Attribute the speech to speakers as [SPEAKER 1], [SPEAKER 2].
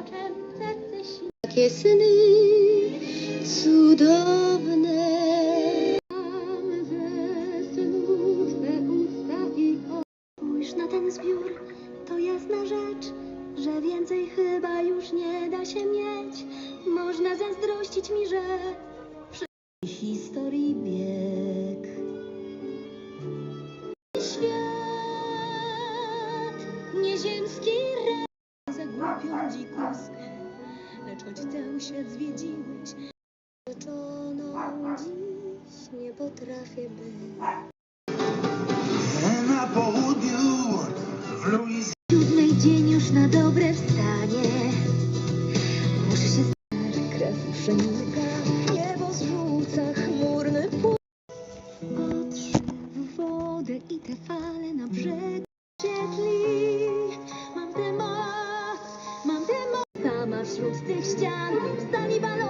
[SPEAKER 1] Takie syny cudowne. Spójrz na ten zbiór, to jasna rzecz, że więcej chyba już nie da się mieć. Można zazdrościć mi, że przy historii bieg. Świat nieziemski za głupią dzikuskę, lecz choć cały świat zwiedziłeś, rzeczoną dziś nie potrafię być.
[SPEAKER 2] Na południu w Luizjanie.
[SPEAKER 1] 7 dzień już na dobre wstanie. Muszę się znać, krew przenika, niebo zrzuca chmurny płyn. Patrz w wodę i te fale na brzeg świetli. Mam temat, sama wśród tych ścian, stali